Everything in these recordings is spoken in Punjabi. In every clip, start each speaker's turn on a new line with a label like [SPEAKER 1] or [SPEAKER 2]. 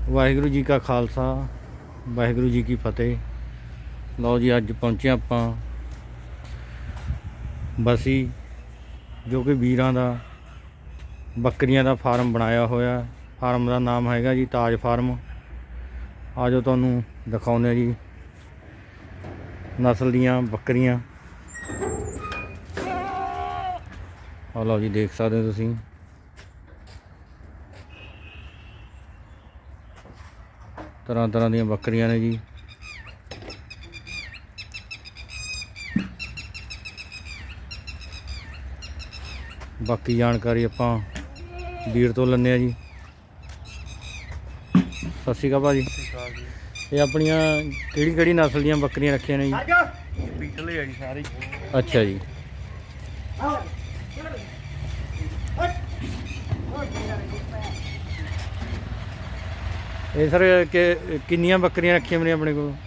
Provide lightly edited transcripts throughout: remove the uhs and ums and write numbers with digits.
[SPEAKER 1] ਵਾਹਿਗੁਰੂ ਜੀ ਕਾ ਖਾਲਸਾ ਵਾਹਿਗੁਰੂ ਜੀ ਕੀ ਫਤਿਹ। ਲਓ ਜੀ, ਅੱਜ ਪਹੁੰਚੇ ਆਪਾਂ ਬਸੀ, ਜੋ ਕਿ ਵੀਰਾਂ ਦਾ ਬੱਕਰੀਆਂ ਦਾ ਫਾਰਮ ਬਣਾਇਆ ਹੋਇਆ। ਫਾਰਮ ਦਾ ਨਾਮ ਹੈਗਾ ਜੀ ਤਾਜ ਫਾਰਮ। ਆ ਜੋ ਤੁਹਾਨੂੰ ਦਿਖਾਉਂਦੇ ਜੀ ਨਸਲ ਦੀਆਂ ਬੱਕਰੀਆਂ। ਆ ਲਓ ਜੀ, ਦੇਖ ਸਕਦੇ ਹੋ ਤੁਸੀਂ। ਤਰ੍ਹਾਂ ਤਰ੍ਹਾਂ ਦੀਆਂ ਬੱਕਰੀਆਂ ਨੇ ਜੀ। ਬਾਕੀ ਜਾਣਕਾਰੀ ਆਪਾਂ ਵੀਰ ਤੋਂ ਲੈਂਦੇ ਆ ਜੀ। ਸਤਿ ਸ਼੍ਰੀ ਅਕਾਲ ਭਾਜੀ। ਇਹ ਆਪਣੀਆਂ ਕਿਹੜੀ ਨਸਲ ਦੀਆਂ ਬੱਕਰੀਆਂ ਰੱਖੀਆਂ ਨੇ ਜੀ?
[SPEAKER 2] ਪੀਟਲੇ ਆ ਜੀ ਸਾਰੇ।
[SPEAKER 1] ਅੱਛਾ ਜੀ। ਇਹ ਸਰ ਕਿੰਨੀਆਂ ਬੱਕਰੀਆਂ ਰੱਖੀਆਂ ਨੇ ਆਪਣੇ ਕੋਲ?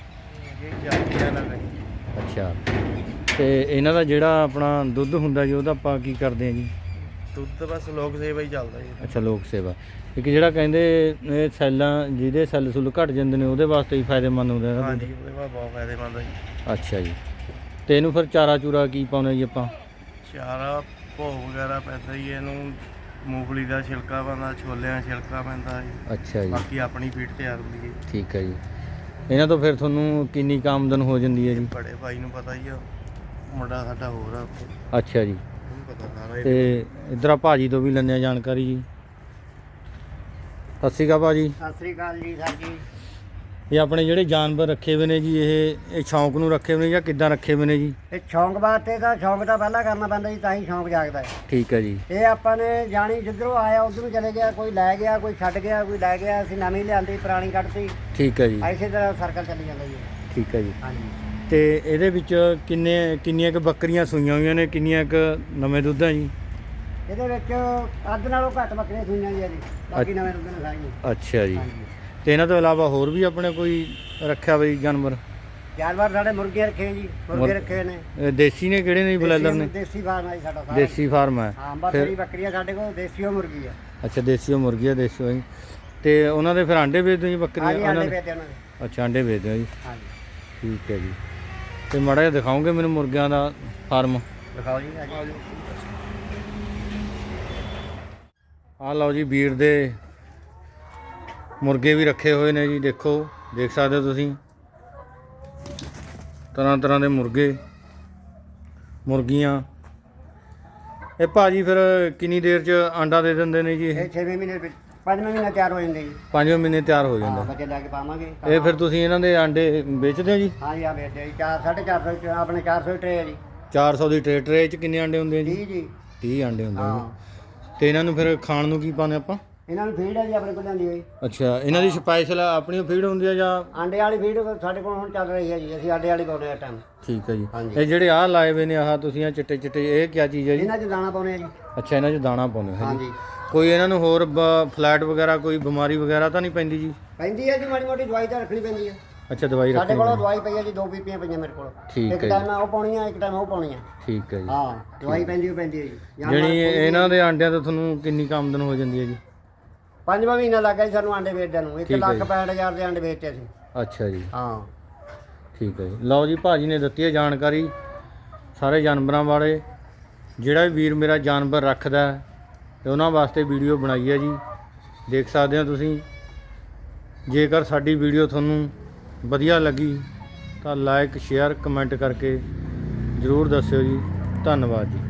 [SPEAKER 1] ਅੱਛਾ, ਤੇ ਇਹਨਾਂ ਦਾ ਜਿਹੜਾ ਆਪਣਾ ਦੁੱਧ ਹੁੰਦਾ ਜੀ, ਉਹਦਾ ਆਪਾਂ ਕੀ ਕਰਦੇ ਹਾਂ ਜੀ?
[SPEAKER 2] ਦੁੱਧ ਬਸ ਲੋਕ ਸੇਵਾ ਹੀ ਚੱਲਦਾ ਜੀ।
[SPEAKER 1] ਅੱਛਾ, ਲੋਕ ਸੇਵਾ। ਇੱਕ ਜਿਹੜਾ ਕਹਿੰਦੇ ਇਹ ਸੈੱਲਾਂ, ਜਿਹਦੇ ਸੈੱਲ ਸੁੱਲ ਘਟ ਜਾਂਦੇ ਨੇ, ਉਹਦੇ ਵਾਸਤੇ ਹੀ ਫਾਇਦੇਮੰਦ ਹੁੰਦਾ ਹੈ।
[SPEAKER 2] ਹਾਂਜੀ, ਉਹਦੇ ਬਾਅਦ ਬਹੁਤ ਫਾਇਦੇਮੰਦ ਹੈ ਜੀ।
[SPEAKER 1] ਅੱਛਾ ਜੀ। ਤੇ ਇਹਨੂੰ ਫਿਰ ਚਾਰਾ ਚੂਰਾ ਕੀ ਪਾਉਂਦੇ ਜੀ ਆਪਾਂ?
[SPEAKER 2] ਚਾਰਾ ਭੋਗ ਵਗੈਰਾ ਪੈਂਦਾ ਜੀ ਇਹਨੂੰ, ਮੂੰਗਫਲੀ ਦਾ ਛਿਲਕਾ ਪੈਂਦਾ, ਛੋਲਿਆਂ ਦਾ ਛਿਲਕਾ ਪੈਂਦਾ ਜੀ।
[SPEAKER 1] ਅੱਛਾ ਜੀ।
[SPEAKER 2] ਬਾਕੀ ਆਪਣੀ ਫੀਡ ਤਿਆਰ ਹੁੰਦੀ ਹੈ।
[SPEAKER 1] ਠੀਕ ਹੈ ਜੀ। ਇਹਨਾਂ ਤੋਂ ਫਿਰ ਤੁਹਾਨੂੰ ਕਿੰਨੀ ਕੁ ਆਮਦਨ ਹੋ ਜਾਂਦੀ ਹੈ ਜੀ?
[SPEAKER 2] ਬੜੇ ਭਾਈ ਨੂੰ ਪਤਾ ਹੀ ਆ, ਮੁੰਡਾ ਸਾਡਾ ਹੋਰ ਆ।
[SPEAKER 1] ਅੱਛਾ ਜੀ।
[SPEAKER 2] ਉਹਨੂੰ ਪਤਾ ਸਾਰਾ।
[SPEAKER 1] ਤੇ ਇੱਧਰ ਆ ਭਾਜੀ ਤੋਂ ਵੀ ਲੈਂਦੇ ਆ ਜਾਣਕਾਰੀ ਜੀ। ਸਤਿ ਸ਼੍ਰੀ ਅਕਾਲ ਭਾਜੀ।
[SPEAKER 3] ਸਤਿ ਸ੍ਰੀ ਅਕਾਲ ਜੀ ਸਰ ਜੀ।
[SPEAKER 1] ਇਹ ਆਪਣੇ ਜਿਹੜੇ ਜਾਨਵਰ ਰੱਖੇ ਹੋਏ ਨੇ ਜੀ, ਇਹ ਸ਼ੌਂਕ ਨੂੰ ਰੱਖੇ ਹੋਏ ਨੇ ਜਾਂ ਕਿੱਦਾਂ ਰੱਖੇ ਹੋਏ ਨੇ ਜੀ?
[SPEAKER 3] ਇਹ ਸ਼ੌਂਕ ਵਾਸਤੇ ਤਾਂ ਸ਼ੌਂਕ ਤਾਂ ਪਹਿਲਾਂ ਕਰਨਾ ਪੈਂਦਾ ਜੀ, ਤਾਂ ਹੀ ਸ਼ੌਂਕ ਜਾਗਦਾ ਹੈ।
[SPEAKER 1] ਠੀਕ ਹੈ ਜੀ।
[SPEAKER 3] ਇਹ ਆਪਾਂ ਨੇ ਜਾਣੀ ਜਿੱਧਰੋਂ ਆਇਆ ਉਧਰੋਂ ਚਲੇ ਗਿਆ, ਕੋਈ ਲੈ ਗਿਆ, ਕੋਈ ਛੱਡ ਗਿਆ, ਕੋਈ ਲੈ ਗਿਆ, ਅਸੀਂ ਨਵੀਂ ਲਿਆਂਦੀ, ਪੁਰਾਣੀ ਕੱਢਤੀ।
[SPEAKER 1] ਠੀਕ ਹੈ ਜੀ।
[SPEAKER 3] ਐਸੇ ਤਰ੍ਹਾਂ ਸਰਕਲ ਚੱਲੀ ਜਾਂਦਾ ਜੀ।
[SPEAKER 1] ਠੀਕ ਹੈ ਜੀ।
[SPEAKER 3] ਹਾਂਜੀ।
[SPEAKER 1] ਤੇ ਇਹਦੇ ਵਿੱਚ ਕਿੰਨੀਆਂ ਕੁ ਬੱਕਰੀਆਂ ਸੂਈਆਂ ਹੋਈਆਂ ਨੇ, ਕਿੰਨੀਆਂ ਕੁ ਨਵੇਂ ਦੁੱਧ ਆ ਜੀ?
[SPEAKER 3] ਇਹਦੇ ਵਿੱਚ ਅੱਧ ਨਾਲੋਂ ਘੱਟ ਬੱਕਰੀਆਂ ਸੂਈਆਂ ਜੀ, ਬਾਕੀ ਨਵੇਂ ਦੁੱਧ ਨੇ ਸਾਰੀਆਂ।
[SPEAKER 1] ਅੱਛਾ ਜੀ।
[SPEAKER 3] ਹਾਂਜੀ।
[SPEAKER 1] ਤੇ ਇਹਨਾਂ ਤੋਂ ਇਲਾਵਾ ਹੋਰ ਵੀ ਆਪਣੇ ਕੋਈ ਰੱਖਿਆ ਬਈ ਜਾਨਵਰ?
[SPEAKER 3] ਜਾਨਵਰ ਸਾਡੇ ਮੁਰਗੇ ਰੱਖੇ ਜੀ, ਮੁਰਗੇ ਰੱਖੇ ਨੇ।
[SPEAKER 1] ਇਹ ਦੇਸੀ ਨੇ ਕਿਹੜੇ ਨੇ ਜੀ, ਬਲੈਲਰ ਨੇ?
[SPEAKER 3] ਦੇਸੀ ਫਾਰਮ ਹੈ ਜੀ ਸਾਡਾ ਸਾਰਾ।
[SPEAKER 1] ਦੇਸੀ ਫਾਰਮ ਹੈ।
[SPEAKER 3] ਹਾਂ, ਬਸ ਜਿਹੜੀ ਬੱਕਰੀਆਂ ਸਾਡੇ ਕੋਲ ਦੇਸੀ ਉਹ ਮੁਰਗੀ ਆ।
[SPEAKER 1] ਅੱਛਾ, ਦੇਸੀ ਉਹ ਮੁਰਗੀ ਆ, ਦੇਸੀ ਹੋਈ। ਤੇ ਉਹਨਾਂ ਦੇ ਫਿਰ ਆਂਡੇ ਵੇਚਦੇ ਹੋ ਜੀ ਬੱਕਰੀਆਂ?
[SPEAKER 3] ਹਾਂਜੀ, ਆਂਡੇ ਵੇਚਦੇ ਉਹਨਾਂ ਦੇ।
[SPEAKER 1] ਅੱਛਾ, ਆਂਡੇ ਵੇਚਦੇ ਹੋ ਜੀ।
[SPEAKER 3] ਹਾਂਜੀ।
[SPEAKER 1] ਠੀਕ ਹੈ ਜੀ। ਤੇ ਮਾੜਾ ਜਿਹਾ ਦਿਖਾਓਗੇ ਮੈਨੂੰ ਮੁਰਗਿਆਂ ਦਾ ਫਾਰਮ?
[SPEAKER 3] ਦਿਖਾਓ ਜੀ। ਹਾਂਜੀ।
[SPEAKER 1] ਆਹ ਲਓ ਜੀ, ਵੀਰ ਦੇ ਮੁਰਗੇ ਵੀ ਰੱਖੇ ਹੋਏ ਨੇ ਜੀ। ਦੇਖ ਸਕਦੇ ਹੋ ਤੁਸੀਂ, ਤਰ੍ਹਾਂ ਤਰ੍ਹਾਂ ਦੇ ਮੁਰਗੇ ਮੁਰਗੀਆਂ। ਇਹ ਭਾਜੀ ਫਿਰ ਕਿੰਨੀ ਦੇਰ 'ਚ ਆਂਡਾ ਦੇ ਦਿੰਦੇ ਨੇ ਜੀ? ਇਹ
[SPEAKER 3] 6ਵੇਂ ਮਹੀਨੇ ਵਿੱਚ 5ਵੇਂ ਮਹੀਨੇ ਤਿਆਰ ਹੋ ਜਾਂਦੇ ਜੀ।
[SPEAKER 1] 5ਵੇਂ ਮਹੀਨੇ ਤਿਆਰ ਹੋ ਜਾਂਦਾ।
[SPEAKER 3] ਬੱਚੇ ਲੈ ਕੇ ਪਾਵਾਂਗੇ।
[SPEAKER 1] ਇਹ ਫਿਰ ਤੁਸੀਂ ਇਹਨਾਂ ਦੇ ਆਂਡੇ ਵੇਚਦੇ ਹੋ ਜੀ?
[SPEAKER 3] ਹਾਂ ਜੀ, ਆ ਵੇਚਦੇ ਜੀ। 450 ਆਪਣੇ 400 ਟਰੇ ਹੈ ਜੀ।
[SPEAKER 1] 400 ਦੀ ਟਰੇ 'ਚ ਕਿੰਨੇ ਆਂਡੇ ਹੁੰਦੇ ਆ ਜੀ?
[SPEAKER 3] 30 ਜੀ।
[SPEAKER 1] 30 ਆਂਡੇ ਹੁੰਦੇ ਆ
[SPEAKER 3] ਹਾਂ।
[SPEAKER 1] ਜੀ। ਤੇ ਇਹਨਾਂ ਨੂੰ ਫਿਰ ਖਾਣ ਨੂੰ ਕੀ ਪਾਉਂਦੇ ਆਪਾਂ?
[SPEAKER 3] ਇਹਨਾਂ ਨੂੰ ਫੀਡ ਹੈ ਜੀ ਆਪਣੇ ਕੋਲ ਲਿਆਂਦੀ ਹੋਈ।
[SPEAKER 1] ਅੱਛਾ, ਇਹਨਾਂ ਦੀ ਸਪੈਸ਼ਲ ਆਪਣੀ ਫੀਡ ਹੁੰਦੀ ਆ ਜਾਂ?
[SPEAKER 3] ਆਂਡੇ ਵਾਲੀ ਫੀਡ ਸਾਡੇ ਕੋਲ ਹੁਣ ਚੱਲ ਰਹੀ ਹੈ ਜੀ, ਅਸੀਂ ਆਂਡੇ ਵਾਲੀ ਪਾਉਂਦੇ ਆ ਟਾਈਮ।
[SPEAKER 1] ਠੀਕ ਹੈ ਜੀ।
[SPEAKER 3] ਹਾਂਜੀ।
[SPEAKER 1] ਇਹ ਜਿਹੜੇ ਆਹ ਲਾਏ ਹੋਏ ਨੇ, ਆਹ ਤੁਸੀਂ ਆ ਚਿੱਟੇ ਇਹ ਕੀ ਚੀਜ਼ ਹੈ ਜੀ?
[SPEAKER 3] ਇਹਨਾਂ 'ਚ ਦਾਣਾ ਪਾਉਂਦੇ ਆ ਜੀ।
[SPEAKER 1] ਅੱਛਾ, ਇਹਨਾਂ 'ਚ ਦਾਣਾ ਪਾਉਂਦੇ ਹੋ ਜੀ।
[SPEAKER 3] ਹਾਂਜੀ।
[SPEAKER 1] ਕੋਈ ਇਹਨਾਂ ਨੂੰ ਹੋਰ ਫਲੈਟ ਵਗੈਰਾ ਕੋਈ ਬਿਮਾਰੀ ਵਗੈਰਾ ਤਾਂ ਨਹੀਂ ਪੈਂਦੀ ਜੀ?
[SPEAKER 3] ਪੈਂਦੀ ਹੈ ਜੀ, ਮਾੜੀ ਮੋਟੀ ਦਵਾਈ ਤਾਂ ਰੱਖਣੀ ਪੈਂਦੀ ਹੈ।
[SPEAKER 1] ਅੱਛਾ, ਦਵਾਈ
[SPEAKER 3] ਸਾਡੇ
[SPEAKER 1] ਰੱਖਣੀ
[SPEAKER 3] ਕੋਲ
[SPEAKER 1] ਪੈਂਦੀ।
[SPEAKER 3] ਦਵਾਈ ਪਈ ਹੈ ਜੀ, 2 ਪੀਪੀਆਂ ਪਈਆਂ ਮੇਰੇ ਕੋਲ।
[SPEAKER 1] ਠੀਕ
[SPEAKER 3] ਇੱਕ
[SPEAKER 1] ਹੈ
[SPEAKER 3] ਟਾਈਮ ਉਹ ਪਾਉਣੀ ਆ, ਇੱਕ ਟਾਈਮ ਉਹ ਪਾਉਣੀ ਆ।
[SPEAKER 1] ਠੀਕ ਹੈ ਜੀ।
[SPEAKER 3] ਹਾਂ, ਦਵਾਈ ਪੈਂਦੀ ਹੈ ਜੀ।
[SPEAKER 1] ਜਿਹੜੀ ਇਹਨਾਂ ਦੇ ਆਂਡਿਆਂ ਤੋਂ ਤੁਹਾਨੂੰ ਕਿੰਨੀ ਕੁ ਆਮਦਨ ਹੋ ਜਾਂਦੀ ਹੈ ਜੀ?
[SPEAKER 3] 5ਵਾਂ ਮਹੀਨਾ ਲੱਗ ਗਿਆ ਜੀ ਸਾਨੂੰ ਆਂਡੇ ਵੇਚਦਿਆਂ ਨੂੰ।
[SPEAKER 1] ਠੀਕ ਹੈ ਜੀ।
[SPEAKER 3] 1,65,000 ਦੇ ਆਂਡੇ ਵੇਚੇ ਅਸੀਂ।
[SPEAKER 1] ਅੱਛਾ ਜੀ।
[SPEAKER 3] ਹਾਂ।
[SPEAKER 1] ਠੀਕ ਹੈ ਜੀ। ਲਓ ਜੀ, ਭਾਜੀ ਨੇ ਦਿੱਤੀ ਹੈ ਜਾਣਕਾਰੀ ਸਾਰੇ ਜਾਨਵਰਾਂ ਬਾਰੇ। ਜਿਹੜਾ ਵੀ ਵੀਰ ਮੇਰਾ ਜਾਨਵਰ ਰੱਖਦਾ ਤੇ ਉਹਨਾਂ ਵਾਸਤੇ ਵੀਡੀਓ ਬਣਾਈ ਹੈ ਜੀ। ਦੇਖ ਸਕਦੇ ਹੋ ਤੁਸੀਂ। ਜੇਕਰ ਸਾਡੀ ਵੀਡੀਓ ਤੁਹਾਨੂੰ ਵਧੀਆ ਲੱਗੀ ਤਾਂ ਲਾਈਕ ਸ਼ੇਅਰ ਕਮੈਂਟ ਕਰਕੇ ਜ਼ਰੂਰ ਦੱਸਿਓ ਜੀ। ਧੰਨਵਾਦ ਜੀ।